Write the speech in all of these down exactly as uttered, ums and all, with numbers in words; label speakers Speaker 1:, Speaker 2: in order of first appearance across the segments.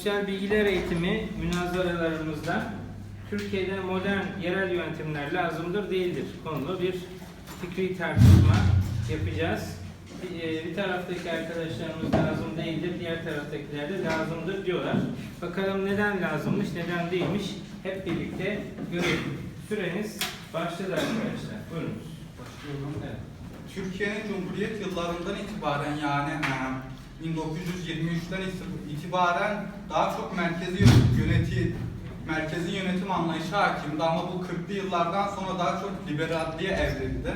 Speaker 1: Sosyal bilgiler eğitimi münazaralarımızda Türkiye'de modern yerel yönetimler lazımdır değildir konulu bir fikri tartışma yapacağız. Bir, bir taraftaki arkadaşlarımız lazım değildir, diğer taraftakiler de lazımdır diyorlar. Bakalım neden lazımmış, neden değilmiş hep birlikte görelim. Süreniz başladı arkadaşlar. Buyurunuz.
Speaker 2: Başlıyorum. Evet. Türkiye'nin Cumhuriyet yıllarından itibaren yani bin dokuz yüz yirmi üçten itibaren daha çok merkezi yönetim, merkezi yönetim anlayışı hakimdi ama bu kırklı yıllardan sonra daha çok liberalliğe evrildi.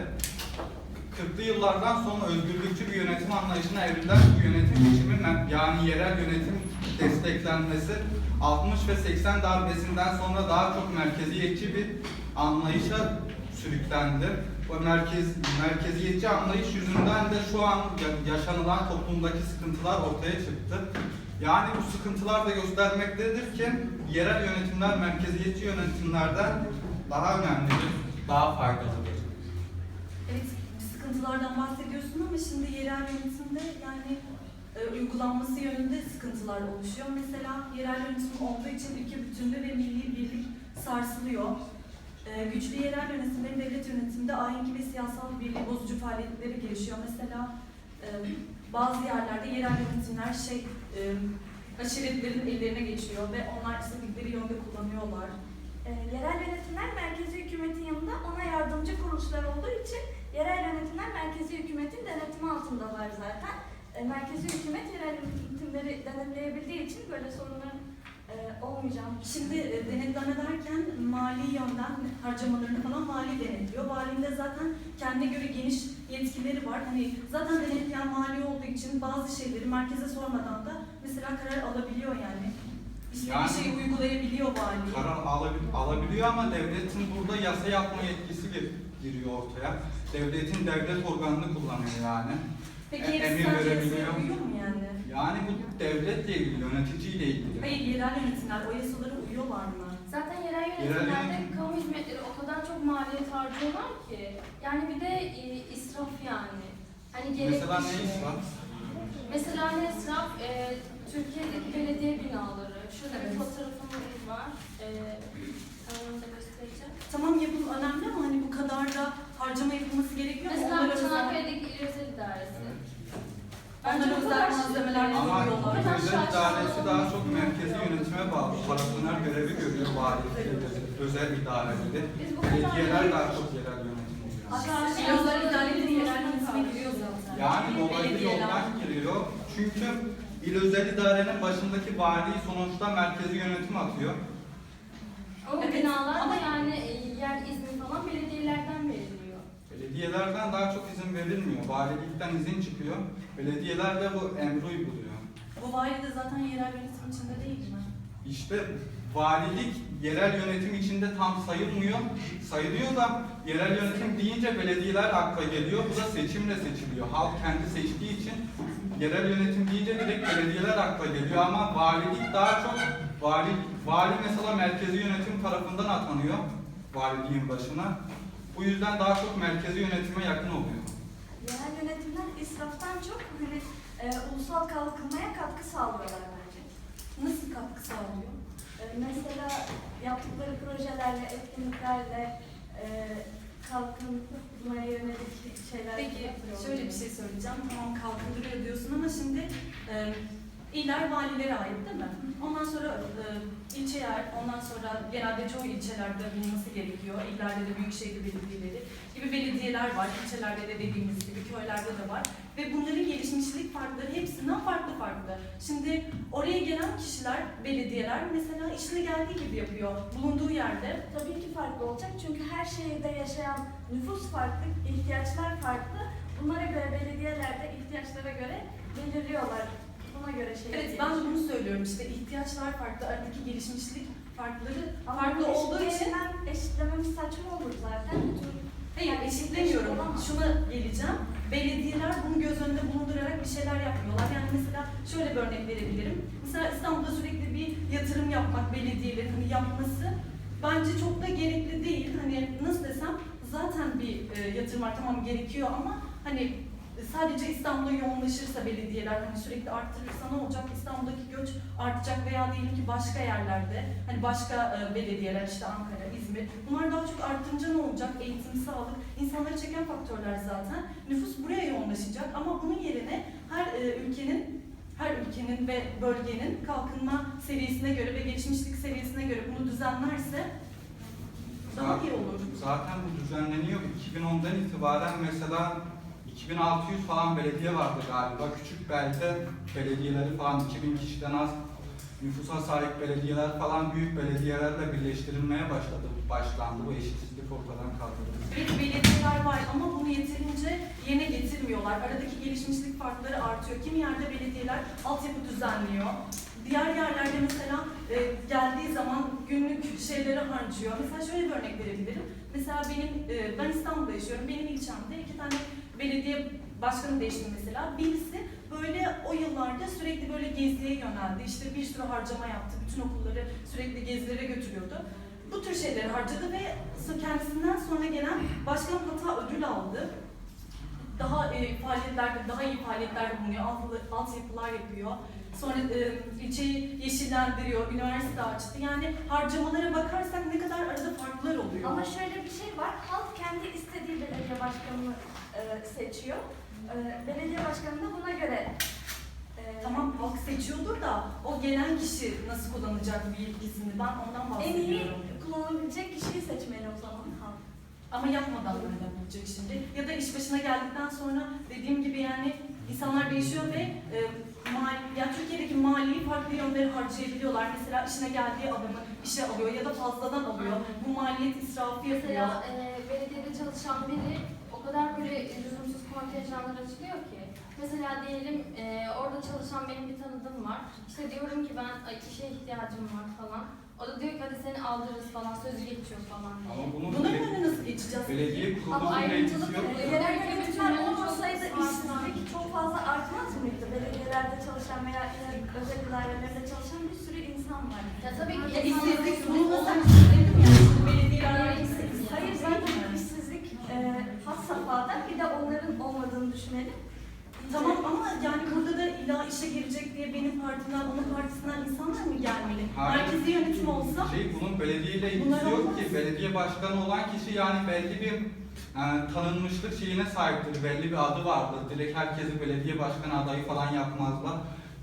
Speaker 2: kırklı yıllardan sonra özgürlükçü bir yönetim anlayışına evrilen bu yönetim biçimi yani yerel yönetim desteklenmesi altmış ve seksen darbesinden sonra daha çok merkeziyetçi bir anlayışa sürüklendi. Bu merkez, merkeziyetçi anlayış yüzünden de şu an yaşanılan toplumdaki sıkıntılar ortaya çıktı. Yani bu sıkıntılar da göstermektedir ki yerel yönetimler merkeziyetçi yönetimlerden daha önemlidir, daha faydalıdır.
Speaker 3: Evet, sıkıntılardan bahsediyorsun ama şimdi yerel yönetimde yani e, uygulanması yönünde sıkıntılar oluşuyor. Mesela yerel yönetim olduğu için ülke bütünlüğü ve milli birlik sarsılıyor. E, güçlü yerel yönetimlerin devlet yönetiminde ahengi ve siyasal birliği bozucu faaliyetleri gelişiyor. Mesela e, bazı yerlerde yerel yönetimler şey e, aşiretlerin ellerine geçiyor ve onlar istedikleri yönde kullanıyorlar.
Speaker 4: E, yerel yönetimler merkezi hükümetin yanında ona yardımcı kuruluşlar olduğu için yerel yönetimler merkezi hükümetin denetimi altındalar zaten. E, merkezi hükümet yerel yönetimleri denetleyebildiği için böyle sorunların e, olmayacağını.
Speaker 3: Şimdi e, denetleme derken mali yönden harcamalarını falan vali denetliyor. Valinin de zaten kendine göre geniş yetkileri var. Hani zaten denetleyen vali olduğu için bazı şeyleri merkeze sormadan da mesela karar alabiliyor yani. İstediği
Speaker 2: Yani,
Speaker 3: şeyi uygulayabiliyor vali.
Speaker 2: Karar alabil- alabiliyor ama devletin burada yasa yapma yetkisi giriyor ortaya. Devletin devlet organını kullanıyor yani.
Speaker 3: Peki
Speaker 2: E,
Speaker 3: hepsi
Speaker 2: emir
Speaker 3: sadece
Speaker 2: verebiliyor.
Speaker 3: yasaya uyuyor mu yani?
Speaker 2: Yani bu devletle ilgili, yöneticiyle ilgili.
Speaker 3: Hayır, yerel yönetimler o yasalara uyuyorlar mı?
Speaker 5: Zaten yerel
Speaker 2: Yerel
Speaker 5: yönetimlerde
Speaker 2: yönetim-
Speaker 5: kamu hizmetleri o kadar çok maliyet harcıyorlar ki. Yani bir de e, israf yani. Hani gerekli
Speaker 2: Mesela ne
Speaker 5: şey.
Speaker 2: israf?
Speaker 5: Mesela ne israf? E, Türkiye'deki belediye binaları. Şurada bir
Speaker 3: Evet.
Speaker 5: fotoğrafımız var. E, onu da göstereceğim.
Speaker 3: Tamam, yapım önemli ama hani bu kadar da harcama yapılması gerekiyor mu?
Speaker 5: Mesela
Speaker 3: Onlara özel,
Speaker 5: Çanakkale'deki İl Özel İdaresi. Bence
Speaker 3: onlara
Speaker 5: bu
Speaker 3: özel
Speaker 5: kadar
Speaker 3: malzemeler
Speaker 2: Ama
Speaker 3: kullanıyorlar.
Speaker 5: kadar
Speaker 2: özel
Speaker 5: şaşalı
Speaker 2: idaresi daha
Speaker 5: olması
Speaker 2: çok merkezi yönetime bağlı. Parasyoner görevi görüyor valilik, özel idareleri.
Speaker 5: Biz bu kadar
Speaker 2: Belediyeler
Speaker 5: yani-
Speaker 2: daha çok yerel yönetim oluyor.
Speaker 3: İl özel idareleri yerel yönetime giriyor zaten.
Speaker 2: Yani dolaylı
Speaker 3: Belediyeler.
Speaker 2: yoldan giriyor. Çünkü il özel idarenin başındaki vali sonuçta merkezi yönetim atıyor.
Speaker 5: Ama
Speaker 3: Evet,
Speaker 5: binalar
Speaker 3: ama-
Speaker 5: da yani e, yer izni falan belediyelerden veriliyor.
Speaker 2: Belediyelerden daha çok izin verilmiyor. Valilikten izin çıkıyor. Belediyeler de bu emri uyguluyor.
Speaker 3: Bu vali de zaten yerel yönetim içinde değil mi?
Speaker 2: İşte valilik yerel yönetim içinde tam sayılmıyor. Sayılıyor da yerel yönetim deyince belediyeler akla geliyor. Bu da seçimle seçiliyor. Halk kendi seçtiği için yerel yönetim deyince direkt belediyeler akla geliyor ama valilik daha çok vali, vali mesela merkezi yönetim tarafından atanıyor valiliğin başına. Bu yüzden daha çok merkezi yönetime yakın oluyor.
Speaker 4: Yerel yönetimler israftan çok hani, e, ulusal kalkınmaya katkı sağlıyorlar bence.
Speaker 3: Nasıl katkı sağlıyor?
Speaker 4: E, mesela yaptıkları projelerle, etkinliklerle e, kalkınmaya yönelik şeyler
Speaker 3: Peki
Speaker 4: yapıyorlar.
Speaker 3: şöyle bir şey söyleyeceğim. Tamam, kalkındırıyor diyorsun ama şimdi e, iller valilere ait değil mi? Ondan sonra e, ilçeler, ondan sonra genelde çoğu ilçelerde bulunması gerekiyor. İllerde de büyükşehir belediyeleri gibi belediyeler var. İlçelerde de dediğimiz gibi köylerde de var. Ve bunların gelişmişlik farkları hepsinden farklı farklı. Şimdi oraya gelen kişiler, belediyeler mesela işine geldiği gibi yapıyor. Bulunduğu yerde.
Speaker 4: Tabii ki farklı olacak çünkü her şehirde yaşayan nüfus farklı, ihtiyaçlar farklı. Bunlara göre belediyeler de ihtiyaçlara göre belirliyorlar. Buna göre şey
Speaker 3: Evet, ben de bunu söylüyorum işte ihtiyaçlar farklı, aradaki gelişmişlik farkları
Speaker 4: Ama
Speaker 3: farklı
Speaker 4: bu
Speaker 3: olduğu için
Speaker 4: eşitleyemen- eşitlememiz saçma olur zaten.
Speaker 3: hayır
Speaker 4: Yani
Speaker 3: eşitlemiyorum.
Speaker 4: eşit olamaz.
Speaker 3: Şuna geleceğim. Belediyeler bunu göz önünde bulundurarak bir şeyler yapmıyorlar. Yani mesela şöyle bir örnek verebilirim. Mesela İstanbul'da sürekli bir yatırım yapmak belediyelerin hani yapması bence çok da gerekli değil. Hani nasıl desem zaten bir e, yatırım var, tamam gerekiyor ama hani sadece İstanbul'a yoğunlaşırsa belediyeler hani sürekli arttırırsa ne olacak? İstanbul'daki göç artacak veya diyelim ki başka yerlerde hani başka e, belediyeler işte Ankara, İzmir bunlar daha çok arttırınca ne olacak? Eğitim, sağlık, insanları çeken faktörler zaten. Nüfus buraya yoğunlaşacak ama bunun yerine her e, ülkenin her ülkenin ve bölgenin kalkınma seviyesine göre ve gelişmişlik seviyesine göre bunu düzenlerse daha iyi olur.
Speaker 2: Zaten bu düzenleniyor. iki bin ondan itibaren mesela iki bin altı yüz falan belediye vardı galiba. Küçük belde belediyeleri falan iki bin kişiden az nüfusa sahip belediyeler falan büyük belediyelerle birleştirilmeye başladı. Başlandı. Bu eşitsizlik ortadan kaldırıldı.
Speaker 3: Evet, belediyeler var ama bunu yeterince yerine getirmiyorlar. Aradaki gelişmişlik farkları artıyor. Kimi yerde belediyeler altyapı düzenliyor. Diğer yerlerde mesela e, geldiği zaman günlük şeyleri harcıyor. Mesela şöyle bir örnek verebilirim. Mesela benim, e, ben İstanbul'da yaşıyorum. Benim ilçemde iki tane belediye başkanı değişti mesela. Birisi böyle o yıllarda sürekli böyle geziye yöneldi. İşte bir sürü harcama yaptı. Bütün okulları sürekli gezilere götürüyordu. Bu tür şeyleri harcadı ve kendisinden sonra gelen başkan hatta ödül aldı. Daha e, faaliyetlerde, daha iyi faaliyetlerde bulunuyor, alt, altyapılar yapıyor. Sonra e, ilçeyi yeşillendiriyor, üniversite açtı. Yani harcamalara bakarsak ne kadar arada farklar oluyor.
Speaker 4: Ama şöyle bir şey var, halk kendi istediği belediye başkanını e, seçiyor. E, belediye başkanı da buna göre e,
Speaker 3: Tamam halk seçiyordur da o gelen kişi nasıl kullanacak bir yetkisini ben ondan
Speaker 4: en iyi
Speaker 3: bahsediyorum.
Speaker 4: kullanabilecek kişiyi seçmeli o zaman halk.
Speaker 3: Ama yapmadan nereden bulacak şimdi? Ya da iş başına geldikten sonra dediğim gibi yani insanlar değişiyor ve e, mal, ya Türkiye'deki maliyi farklı yönlere harcayabiliyorlar. Mesela işine geldiği adamı işe alıyor ya da fazladan alıyor. Bu maliyet israfı yapıyor.
Speaker 5: Mesela e, belediyede çalışan biri o kadar böyle lüzumsuz kontenjanlar açılıyor ki. Mesela diyelim e, orada çalışan benim bir tanıdığım var. İşte diyorum ki ben ay, işe ihtiyacım var falan. O da diyor ki hadi seni aldırırız falan, sözü geçiyor falan diye.
Speaker 2: Ama bunun
Speaker 3: Bunların
Speaker 2: bele-
Speaker 3: önüne nasıl geçeceğiz?
Speaker 2: belediye
Speaker 5: Ama
Speaker 2: kurulunun
Speaker 5: ayrımcılık
Speaker 2: etkisi yok.
Speaker 5: oluyor.
Speaker 4: E, Yerel yönetimler olmasaydı işsizlik çok fazla artmaz mıydı? Belediyelerde çalışan veya özel idarelerde çalışan bir sürü insan var.
Speaker 5: Ya tabii ki
Speaker 3: Ya
Speaker 5: insan-
Speaker 3: işsizlik bunu nasıl söyledim ya? Şimdi belediyeler işsiz.
Speaker 4: Hayır zaten işsizlik e, has safhada, bir de onların olmadığını düşünelim.
Speaker 3: Tamam ama yani burada da illa işe girecek diye benim partimden, onun partisinden insanlar mı gelmeli?
Speaker 2: Hayır.
Speaker 3: Merkezi yönetim olsa
Speaker 2: Şey, bunun belediyeyle
Speaker 3: Bunlar
Speaker 2: ilgisi yok
Speaker 3: olmaz.
Speaker 2: ki. Belediye başkanı olan kişi yani belli bir e, tanınmışlık şeyine sahiptir. Belli bir adı vardır. Direkt herkesi belediye başkanı adayı falan yapmazlar.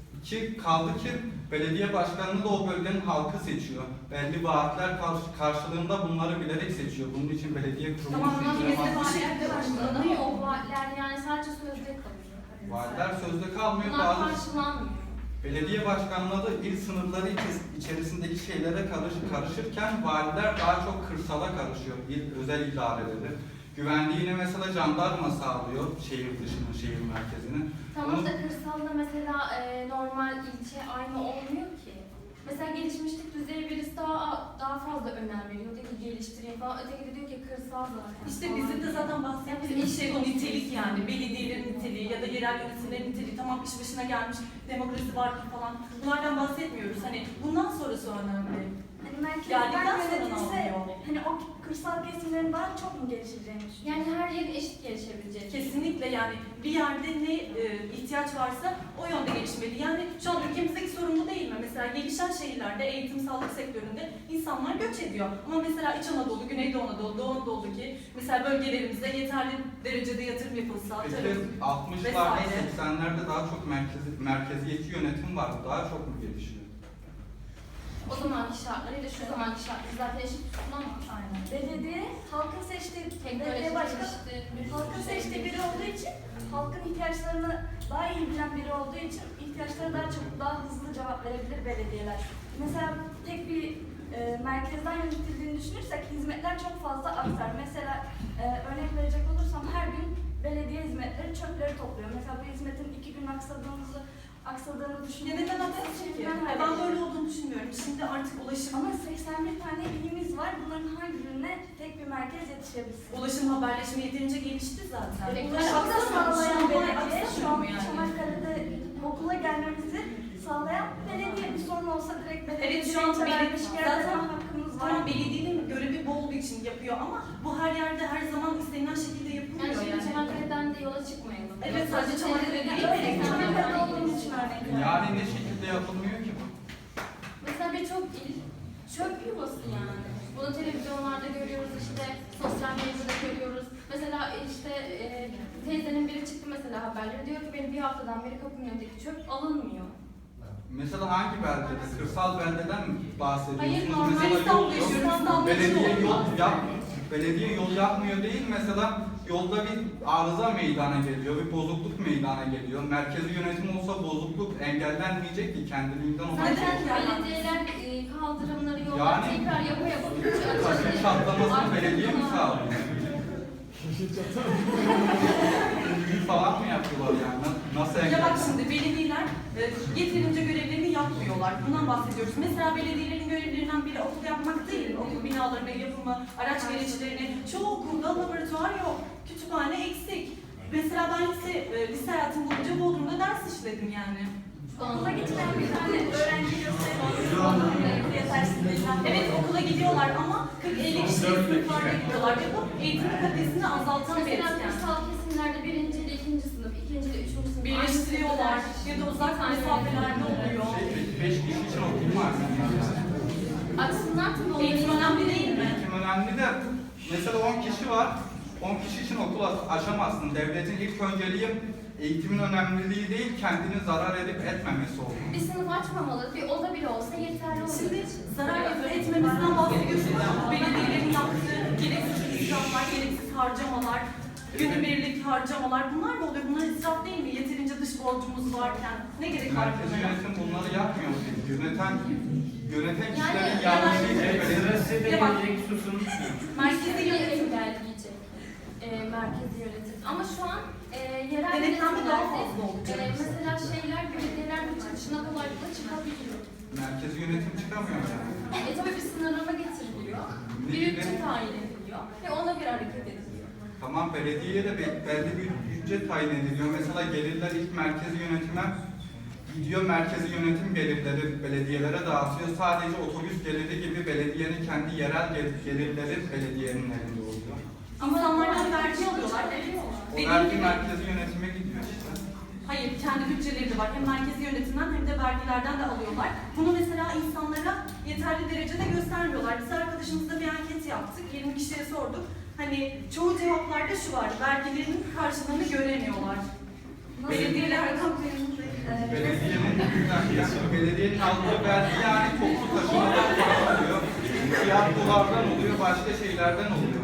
Speaker 2: Ki kaldı ki belediye başkanını da o bölgenin halkı seçiyor. Belli vaatler karşı- karşılığında bunları bilerek seçiyor. Bunun için belediye kurulu
Speaker 3: Tamam,
Speaker 5: Ama
Speaker 3: Ülkemizde
Speaker 5: bir
Speaker 3: bu
Speaker 5: de
Speaker 3: şekilde
Speaker 5: vaatler
Speaker 3: başlanıyor.
Speaker 5: başlanıyor. O vaatler yani sadece sözde kalıyor.
Speaker 2: Vaatler sözde kalmıyor.
Speaker 5: Bunlar
Speaker 2: Bazı
Speaker 5: karşılanmıyor.
Speaker 2: belediye başkanları il sınırları içi- içerisindeki şeylere karış- karışırken valiler daha çok kırsala karışıyor. İl, özel idareleri. Güvenliğini mesela jandarma sağlıyor şehir dışının, şehir merkezini.
Speaker 5: Tamam
Speaker 2: Bunu-
Speaker 5: da kırsalda mesela e, normal ilçe aynı olmuyor ki. Mesela gelişmişlik düzeyi birisi daha daha fazla önem veriyor. Diyor ki geliştireyim falan. Öteki de diyor ki kırsal zaten.
Speaker 3: İşte
Speaker 5: falan
Speaker 3: bizim de
Speaker 5: diyor.
Speaker 3: zaten bahsettiğimiz şey o nitelik yani. Belediyelerin niteliği ya da yerel yönetimlerin niteliği. Tamam iş başına gelmiş, demokrasi var falan. Bunlardan bahsetmiyoruz. Hani bundan sonrası önemli.
Speaker 4: Hani
Speaker 3: Geldikten
Speaker 4: merkezden
Speaker 3: sonra ne
Speaker 4: yönetilse,
Speaker 3: oluyor?
Speaker 4: hani o kırsal kesimlerin daha çok mu gelişeceğini düşünüyorsun?
Speaker 5: Yani her yer eşit gelişebilecek.
Speaker 3: Kesinlikle yani bir yerde ne e, ihtiyaç varsa o yönde gelişmeli. Yani şu an ülkemizdeki sorun bu değil mi? Mesela gelişen şehirlerde eğitim, sağlık sektöründe insanlar göç ediyor. Ama mesela İç Anadolu, Güneydoğu Anadolu, Doğu Anadolu'daki mesela bölgelerimizde yeterli derecede yatırım yapılsa, tarım,
Speaker 2: Peki altmışlarda,
Speaker 3: vesaire.
Speaker 2: seksenlerde daha çok merkezi, merkeziyetçi yönetim vardı. Daha çok mu gelişiyor?
Speaker 5: O zamanki şartlarıyla şu zamanki şartları zaten eşit tutulamaz.
Speaker 3: Aynen.
Speaker 4: Belediye halkın seçtiği, belediye
Speaker 5: Teknoloji
Speaker 4: başkanı
Speaker 5: gelişti. bir sürü
Speaker 4: halkın
Speaker 5: şey
Speaker 4: seçtiği biri
Speaker 5: gelişti.
Speaker 4: olduğu için, halkın ihtiyaçlarını daha iyi bilen biri olduğu için ihtiyaçlara daha çabuk, daha hızlı cevap verebilir belediyeler. Mesela tek bir e, merkezden yönetildiğini düşünürsek hizmetler çok fazla artar. Mesela e, örnek verecek olursam her gün belediye hizmetleri çöpleri topluyor. Mesela bu hizmetin iki gün aksadığımızı aksadığını
Speaker 3: Ya
Speaker 4: düşünüyorum.
Speaker 3: neden haklısın ki? Ben böyle olduğunu düşünmüyorum. Şimdi artık ulaşım,
Speaker 4: Ama seksen bir tane ilimiz var. Bunların hangi birine tek bir merkez yetişebilsin?
Speaker 3: ulaşım haberleşme yeterince gelişti zaten.
Speaker 5: Direkt
Speaker 3: Yani
Speaker 4: Ulaşımı da
Speaker 3: aksamıyor,
Speaker 4: sağlayan
Speaker 3: şu an
Speaker 4: belediye, şu an
Speaker 3: aksamıyor yani.
Speaker 4: Çanakkale'de okula gelmemizi sağlayan belediye. Bir sorun olsa direkt belediye
Speaker 3: Evet, şu an belediye-
Speaker 4: şikayet
Speaker 3: zaten-
Speaker 4: etme hakkımız var.
Speaker 3: Tamam belediyenin görevi bu olduğu için yapıyor ama bu her yerde her zaman istenilen şekilde
Speaker 5: Yani
Speaker 3: yapılmıyor
Speaker 5: şimdi
Speaker 3: yani.
Speaker 5: Çanakkale'den Çanakkale'de yola çıkmayalım.
Speaker 3: Evet, sadece Çanakkale'de değil,
Speaker 5: Evet, Çanakkale'de olduğumuz için örnek verdim.
Speaker 2: Yani ne şekilde yapılmıyor ki bu?
Speaker 5: Mesela birçok il çöp yuvası yani. Bunu televizyonlarda görüyoruz, işte sosyal medyada görüyoruz. Mesela işte e, teyzenin biri çıktı mesela haberleri, diyor ki benim bir haftadan beri kapımın önündeki çöp alınmıyor.
Speaker 2: Mesela hangi beldede? Kırsal beldeden mi bahsediyorsunuz?
Speaker 5: Hayır, normal
Speaker 2: Mesela yol
Speaker 3: İstanbul
Speaker 2: yok.
Speaker 3: yaşıyorum, İstanbul'da
Speaker 2: Belediye
Speaker 3: çok
Speaker 2: yol
Speaker 3: var.
Speaker 2: yap, belediye yol yapmıyor değil. Mesela yolda bir arıza meydana geliyor, bir bozukluk meydana geliyor. Merkezi yönetim olsa bozukluk engellenmeyecek ki kendiliğinden olacak.
Speaker 5: Zaten belediyeler e, kaldırımları yolları
Speaker 2: Yani-
Speaker 5: tekrar yapa yapa
Speaker 2: Taşın çatlamasını belediye mi sağlıyor? Büyü falan mı yapıyorlar yani? Na- Nasıl
Speaker 3: Ya bak
Speaker 2: engeller?
Speaker 3: şimdi belediyeler e, yeterince görevlerini yapmıyorlar. Bundan bahsediyoruz. Mesela belediyelerin görevlerinden biri okul yapmak değil. Okul binalarının yapımı, araç gereçlerini. Çoğu okulda laboratuvar yok. Kütüphane eksik. Mesela ben lise, e, lise hayatım boyunca Bodrum'da ders işledim yani.
Speaker 4: Okula gitmeyen bir tane öğrenci gösteriyor. Yetersizlikten.
Speaker 3: Evet okula gidiyorlar ama kırk elli kişilik sınıflarda gidiyorlar ve bu eğitim kalitesini azaltan bir
Speaker 5: Mesela
Speaker 3: etken.
Speaker 5: kırsal kesimlerde birinci ile ikinci sınıf, ikinci ile üçüncü sınıf
Speaker 3: Birleştiriyorlar ya da uzak mesafelerde oluyor.
Speaker 2: Şey, beş kişi için okul var yani.
Speaker 5: Açsınlar tabii onları.
Speaker 3: Eğitim önemli değil mi?
Speaker 2: Eğitim önemli de mesela on kişi var. on kişi için okul aç- açamazsın. Devletin ilk önceliği eğitimin önemliliği değil, kendini zarar edip etmemesi olur.
Speaker 5: Bir sınıf açmamalı, bir oda bile olsa yeterli olur.
Speaker 3: Şimdi zarar etmemizden bahsediyorsunuz. Belediyelerin yaptığı gereksiz israflar, gereksiz harcamalar, günübirlik harcamalar bunlar da oluyor. Bunlar israf değil mi? Yeterince dış borcumuz varken ne gerek var
Speaker 2: Merkezi
Speaker 3: bunlara?
Speaker 2: yönetim bunları yapmıyor. Yöneten, yöneten kişilerin
Speaker 5: Yani-
Speaker 2: yanlışıyla
Speaker 1: Evet, sıra
Speaker 2: belediye.
Speaker 1: size de
Speaker 3: Ya bak-
Speaker 1: gelecek, susun.
Speaker 3: Merkezi yönetim
Speaker 5: engelleyecek e, merkezi yönetim. Ama şu an e, yerel
Speaker 3: denetlenme daha
Speaker 5: yönetimlerde
Speaker 3: fazla olacak.
Speaker 5: e, mesela şeyler, belediyeler bu çıkışına kolaylıkla çıkabiliyor.
Speaker 2: Merkezi yönetim çıkamıyor yani.
Speaker 5: E tabii bir sınırlama getiriliyor, bir bütçe tayin ediliyor ve ona göre hareket ediliyor.
Speaker 2: Tamam, belediyeye de be- belli bir bütçe tayin ediliyor. Mesela gelirler ilk merkezi yönetime gidiyor, merkezi yönetim gelirleri belediyelere dağıtıyor. Sadece otobüs geliri gibi belediyenin kendi yerel gel- gelirleri belediyenin elinde oluyor.
Speaker 3: İnsanlardan vergi alıyorlar.
Speaker 2: O
Speaker 3: Dediğim
Speaker 2: vergi
Speaker 3: gibi-
Speaker 2: merkezi yönetime gidiyor işte.
Speaker 3: Hayır, kendi bütçeleri de var. Hem merkezi yönetimden hem de vergilerden de alıyorlar. Bunu mesela insanlara yeterli derecede göstermiyorlar. Biz arkadaşımızla bir anket yaptık. yirmi kişiye sorduk. Hani çoğu cevaplarda şu var. Vergilerinin karşılığını göremiyorlar. Belediyeler rakam
Speaker 2: Belediyenin, yani belediyenin aldığı vergi yani toplu taşımadan para oluyor. Tiyatrolardan oluyor, başka şeylerden oluyor.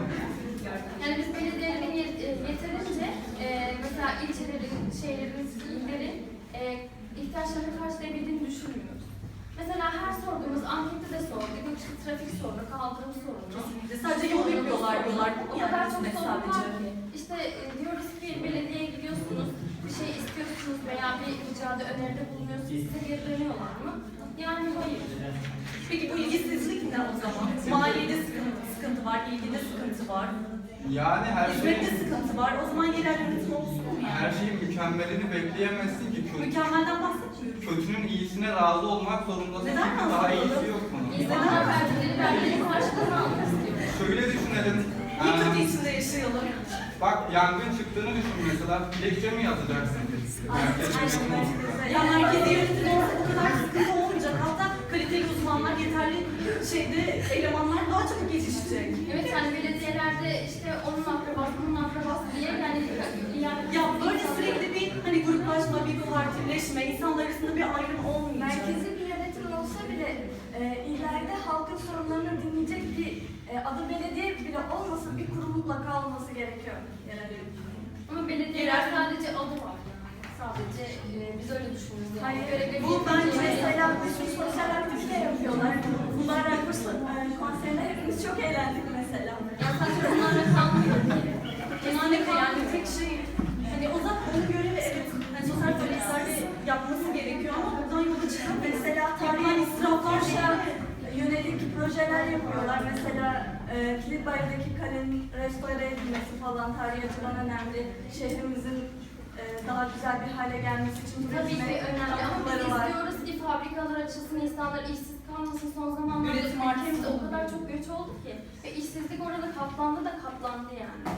Speaker 5: Yani biz belediyelerin yet- e, yeterince e, mesela ilçelerin, şehirlerin, illerin e, ihtiyaçlarını karşılayabildiğini düşünmüyoruz. Mesela her sorduğumuz ankette de sorduk, işte trafik sorunu, kaldırım sorunu.
Speaker 3: Kesinlikle. Sadece yol yapıyorlar diyorlar.
Speaker 5: O
Speaker 3: Yani
Speaker 5: kadar çok
Speaker 3: hizmet
Speaker 5: sorun var
Speaker 3: sadece.
Speaker 5: ki. İşte e, diyoruz ki belediyeye gidiyorsunuz, bir şey istiyorsunuz veya bir ricada öneride bulunuyorsunuz, size geri dönüyorlar mı? Yani hayır.
Speaker 3: Peki bu ilgisizlik ne o zaman? Maliyede sıkıntı, sıkıntı var, ilgide sıkıntı var.
Speaker 2: Yani her şey,
Speaker 3: Hizmette sıkıntı var. O zaman yerel yönetim olsun mu
Speaker 2: her
Speaker 3: yani?
Speaker 2: şeyin mükemmelini bekleyemezsin ki. Kötü,
Speaker 3: Mükemmelden bahsetmiyoruz.
Speaker 2: kötünün iyisine razı olmak zorundasın.
Speaker 3: Neden
Speaker 2: Çünkü
Speaker 3: razı
Speaker 2: daha
Speaker 3: olalım?
Speaker 2: iyisi yok bunun.
Speaker 5: İnsanlar verdikleri vergilerin karşılığını almak istiyor.
Speaker 2: Şöyle düşünelim.
Speaker 3: Niye
Speaker 2: ee,
Speaker 3: kötü içinde yaşayalım?
Speaker 2: Bak yangın çıktığını düşün mesela. Dilekçe mi yazacaksın? Merkezi yönetim olsun.
Speaker 3: Ya merkezi yönetim olsa bu kadar sıkıntı olmayacak. Hatta kaliteli uzmanlar, yeterli şeyde elemanlar daha çabuk yetişecek.
Speaker 5: Evet yani belediyelerde işte onun akrabası, bunun akrabası diye yani yani
Speaker 3: Ya böyle sürekli bir hani gruplaşma, bir partileşme, insanlar arasında bir ayrım olmayacak.
Speaker 4: Merkezi bir yönetim olsa bile e, ileride halkın sorunlarını dinleyecek bir e, adı belediye bile olmasa bir kurum mutlaka olması gerekiyor yerel yönetim.
Speaker 5: ama belediyeler sadece adı var. Sadece e, biz öyle düşünüyoruz yani.
Speaker 4: Hayır,
Speaker 5: Görevleri
Speaker 3: bu bence
Speaker 5: yetince-
Speaker 4: Mesela bir sürü sosyal aktivite yapıyorlar. Bunlarla kurs e, konserine hepimiz çok eğlendik mesela.
Speaker 5: Ya sadece bunlarla kalmıyor ki.
Speaker 3: Kesinlikle yani tek şey, hani o zaman onun görevi evet, hani sosyal faaliyetlerde yapması gerekiyor ama buradan yola çıkan
Speaker 4: Mesela
Speaker 3: tarihi
Speaker 4: tarihi
Speaker 3: israflar
Speaker 4: israflarla yönelik projeler yapıyorlar. Mesela e, Kilitbayır'daki kalenin restore edilmesi falan tarihi açıdan önemli. Şehrimizin e, daha güzel bir hale gelmesi için
Speaker 5: Tabii ki önemli ama biz
Speaker 4: katkıları var.
Speaker 5: istiyoruz ki fabrikalar açılsın, insanlar işsiz kalmasın. Son zamanlarda
Speaker 3: Üretim
Speaker 5: ülkemizde
Speaker 3: artsın.
Speaker 5: o kadar çok göç oldu ki ve işsizlik orada katlandı da katlandı yani.
Speaker 2: Yani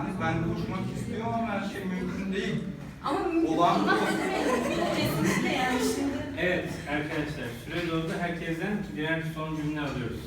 Speaker 2: Yani ben uçmak istiyorum ama her şey mümkün değil.
Speaker 5: Ama mümkün
Speaker 2: Olan-
Speaker 5: olmaz demeyin.
Speaker 3: Kesinlikle yani şimdi
Speaker 1: Evet arkadaşlar, süre doldu. Herkesten birer son cümle alıyoruz.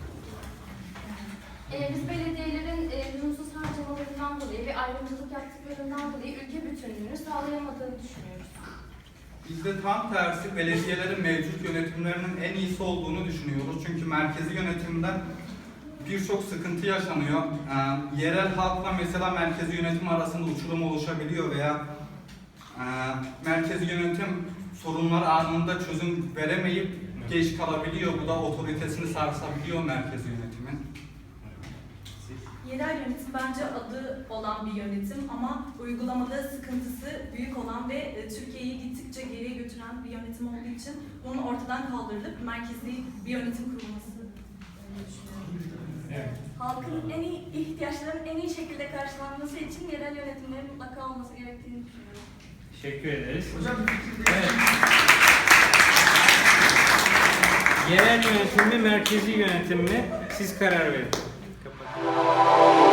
Speaker 5: Ee, biz belediyelerin e, lüzumsuz harcamalarından dolayı ve ayrımcılık yaptıklarından dolayı ülke bütünlüğünü sağlayamadığını düşünüyoruz.
Speaker 2: Biz de tam tersi belediyelerin mevcut yönetimlerinin en iyisi olduğunu düşünüyoruz. Çünkü merkezi yönetimden birçok sıkıntı yaşanıyor. Ee, yerel halkla mesela merkezi yönetim arasında uçurum oluşabiliyor veya e, merkezi yönetim sorunlar anında çözüm veremeyip geç kalabiliyor. Bu da otoritesini sarsabiliyor merkezi yönetimin.
Speaker 3: yerel yönetim bence adı olan bir yönetim ama uygulamada sıkıntısı büyük olan ve e, Türkiye'yi gittikçe geriye götüren bir yönetim olduğu için bunun ortadan kaldırılıp merkezi bir yönetim kurulması öyle düşünüyorum.
Speaker 1: Evet.
Speaker 4: Halkın en iyi ihtiyaçlarının en iyi şekilde karşılanması için yerel yönetimlerin mutlaka olması gerektiğini düşünüyorum.
Speaker 1: Teşekkür ederiz.
Speaker 6: Hocam bir fikir değil.
Speaker 1: Evet. Yerel yönetim mi, merkezi yönetim mi? Siz karar verin. Kapat.